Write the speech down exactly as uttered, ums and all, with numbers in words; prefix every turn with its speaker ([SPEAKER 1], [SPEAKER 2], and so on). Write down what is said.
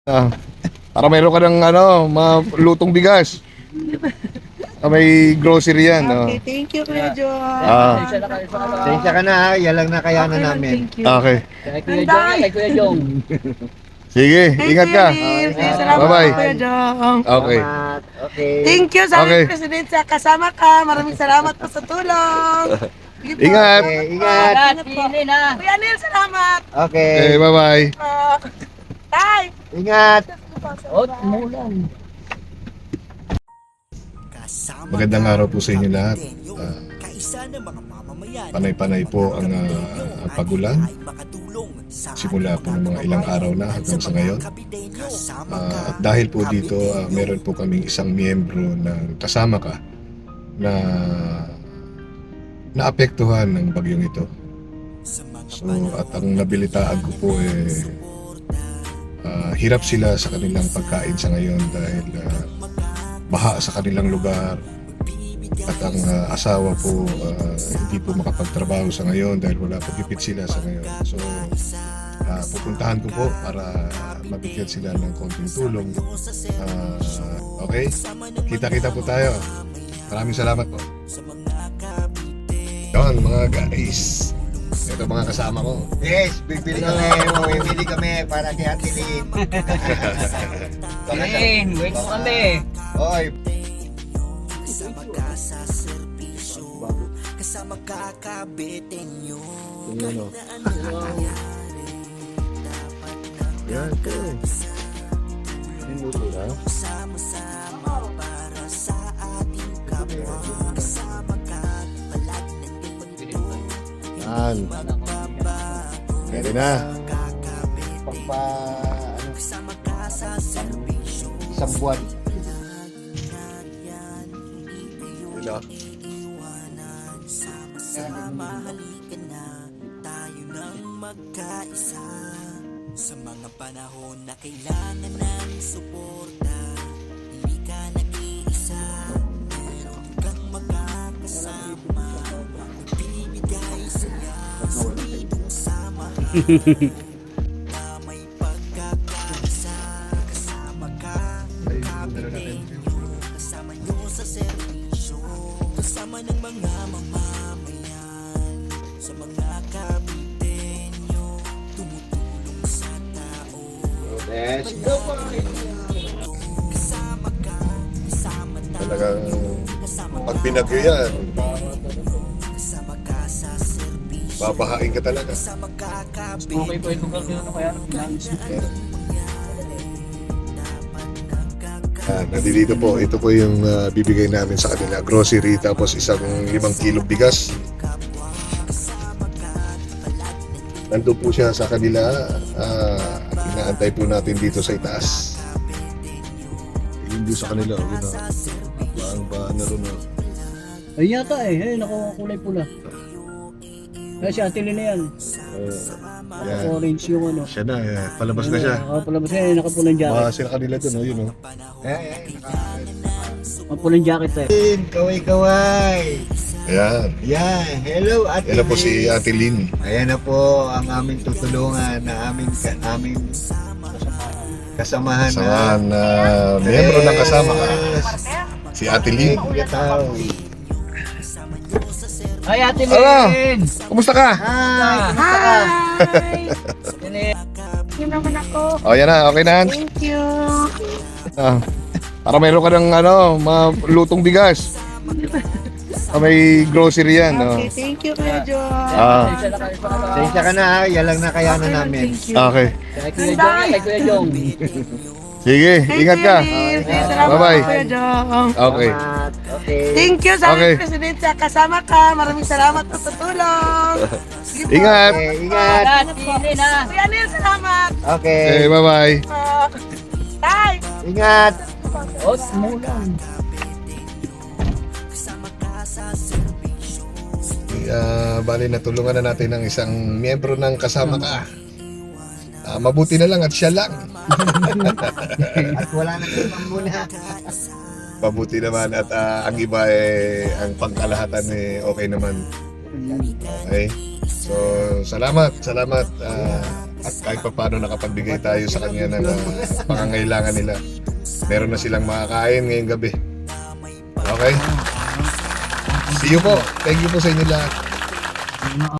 [SPEAKER 1] Ah, para mayroon ka ng ano, malutong bigas. Ah, may grocery yan. Oh.
[SPEAKER 2] Okay, thank you, Kuya John.
[SPEAKER 1] Ah.
[SPEAKER 3] Pasensya ka na ha, yan lang na kaya na
[SPEAKER 2] Okay lang,
[SPEAKER 3] namin.
[SPEAKER 2] thank you.
[SPEAKER 1] Okay.
[SPEAKER 4] Kay Kuya Jong, yan, kay Kuya Jong.
[SPEAKER 1] Sige,
[SPEAKER 2] Thank
[SPEAKER 1] ingat
[SPEAKER 2] you,
[SPEAKER 1] ka.
[SPEAKER 2] Liv.
[SPEAKER 3] Okay.
[SPEAKER 2] Salamat
[SPEAKER 1] Bye-bye.
[SPEAKER 2] po, Kuya John.
[SPEAKER 1] Okay.
[SPEAKER 3] Salamat. Okay.
[SPEAKER 2] Thank you sa
[SPEAKER 1] Okay.
[SPEAKER 2] aming Presidente. Kasama ka. Maraming salamat po sa tulong. Sige po.
[SPEAKER 1] Ingat.
[SPEAKER 3] Okay, ingat.
[SPEAKER 4] Ingat,
[SPEAKER 2] Ingat po.
[SPEAKER 4] Pilin ha.
[SPEAKER 2] Kuya Neil, salamat.
[SPEAKER 3] Okay.
[SPEAKER 1] Okay, bye-bye.
[SPEAKER 2] Uh, Tay.
[SPEAKER 3] Ingat.
[SPEAKER 4] Oh, umulan.
[SPEAKER 1] Magandang araw po sa inyo lahat. Ah, panay-panay po ang ah, ang pagulan. Simula po ng mga ilang araw na hanggang sa ngayon. Ah, at dahil po dito, ah, meron po kaming isang miyembro ng kasama ka na naapektuhan ng bagyong ito. So, at ang nabilitaan ko po eh ah, hirap sila sa kanilang pagkain sa ngayon dahil ah, baha sa kanilang lugar. At ang ah, asawa po ah, hindi po makapagtrabaho sa ngayon dahil wala po gipit sila sa ngayon. So ah, pupuntahan ko po para mabigyan sila ng konting tulong. Ah, okay? Kita-kita po tayo. Maraming salamat po. Yan mga guys. Ito mga kasama ko.
[SPEAKER 3] Yes, bibili kami. Bibili kami para kay Ate Lynn.
[SPEAKER 4] Pilin, wait mo kami.
[SPEAKER 3] Oy,
[SPEAKER 5] Kasama ka sa serbisyo, kasama ka kabitin nyo.
[SPEAKER 1] Ano? Yan, ito. Minuto na.
[SPEAKER 5] Sama-sama para sa ating kapwa. Kasama ka palagi nandito.
[SPEAKER 1] Yan. Pwede na.
[SPEAKER 3] pagpa ano,
[SPEAKER 5] Kasama ka sa serbisyo.
[SPEAKER 3] isang buwan.
[SPEAKER 1] Wala.
[SPEAKER 5] Sama-sama halika na, tayo nang magkaisa. Sa mga panahon na kailangan ng suporta, hindi ka nag-iisa. Meron kang mga kasama, nagbibigay saya sa pitong sama. Na may pagkakaisa, kasama ka, kapitin nyo, kasama nyo sa serbisyo, kasama ng mga mamamayan, sa mga kapitin nyo, tumutulong sa tao.
[SPEAKER 3] Yes.
[SPEAKER 5] Kasama ka, kasama tayo,
[SPEAKER 1] Talagang
[SPEAKER 5] kasama
[SPEAKER 1] pag binagyo yan,
[SPEAKER 5] kasama ka sa serbisyo,
[SPEAKER 1] babahain ka talaga.
[SPEAKER 5] kasama ka kapitin.
[SPEAKER 4] Okay po yung lugar nyo na kaya nang
[SPEAKER 1] Ah, nandito po, ito po yung ah, bibigay namin sa kanila. Grocery, tapos isang limang kilong bigas. Nandun po siya sa kanila. Ah, inaantay po natin dito sa itaas. Yun doon sa kanila. Yun na. Paano ba ano rin na?
[SPEAKER 4] Ayun yata eh, ayun ako kulay pula. Kaya si Ate Lynn na yan.
[SPEAKER 1] Uh, yan.
[SPEAKER 4] Orange yung ano.
[SPEAKER 1] Siya na, eh. Palabas na siya.
[SPEAKER 4] Ako palabas yan, nakapulang jacket.
[SPEAKER 1] Baka sila kanila dun, oh, yun oh.
[SPEAKER 3] Eh, eh,
[SPEAKER 4] Nakapulang jacket eh.
[SPEAKER 3] Lynn, kaway-kaway.
[SPEAKER 1] Ayan.
[SPEAKER 3] Yan, hello Ate
[SPEAKER 1] Yan na po si
[SPEAKER 3] Lynn.
[SPEAKER 1] Ate Lynn.
[SPEAKER 3] Ayan na po ang aming tutulungan na aming ka, aming kasamahan
[SPEAKER 1] Samahan na miyembro ng kasama ka. Si Ate Lynn.
[SPEAKER 3] Gataw.
[SPEAKER 4] Ay, Ate
[SPEAKER 1] Ano?
[SPEAKER 4] Lynn!
[SPEAKER 1] Kumusta ka?
[SPEAKER 3] Hi, kumusta ka?
[SPEAKER 2] Hi.
[SPEAKER 4] Ate Lynn.
[SPEAKER 2] Yun naman ako.
[SPEAKER 1] Oh, yan na. Okay na. Hans?
[SPEAKER 2] Thank you.
[SPEAKER 1] Ah, para mayroon ka ng ano, malutong bigas. Ah, may grocery yan. Oh.
[SPEAKER 2] Okay, thank you, Kuya John.
[SPEAKER 1] Ah,
[SPEAKER 3] Pasensya ka na ha, yan lang na kaya na
[SPEAKER 2] Okay lang,
[SPEAKER 3] namin.
[SPEAKER 2] thank you.
[SPEAKER 1] okay.
[SPEAKER 4] Kay Kuya Jong, yan, kay Kuya Jong.
[SPEAKER 1] Sige,
[SPEAKER 2] Thank
[SPEAKER 1] ingat
[SPEAKER 2] you,
[SPEAKER 1] ka.
[SPEAKER 2] Liv. Salamat
[SPEAKER 1] Bye-bye.
[SPEAKER 2] po, Kuya John.
[SPEAKER 1] Okay.
[SPEAKER 3] Salamat. Okay.
[SPEAKER 2] Thank you sa
[SPEAKER 1] Okay.
[SPEAKER 2] aming Presidente. Kasama ka. Maraming salamat po sa tulong. Sige po.
[SPEAKER 1] Ingat.
[SPEAKER 3] Okay, ingat.
[SPEAKER 4] Ingat, Pilin ha.
[SPEAKER 2] Kuya Neil, salamat.
[SPEAKER 3] Okay.
[SPEAKER 1] Okay, bye-bye.
[SPEAKER 2] Uh, Tay.
[SPEAKER 3] Ingat.
[SPEAKER 4] Oh, umulan.
[SPEAKER 1] Uh, bali, natulungan na natin ng isang miyembro ng kasama ka. Ah, mabuti na lang at siya lang.
[SPEAKER 3] At wala na ibang muna.
[SPEAKER 1] Mabuti naman at ah, ang iba eh, ang pangkalahatan eh, okay naman. Okay? So, salamat, salamat. ah, At kahit pa paano nakapagbigay tayo sa kanya ng uh, pangangailangan nila. Meron na silang makakain ngayong gabi. Okay? See you po. Thank you po sa inyo lahat.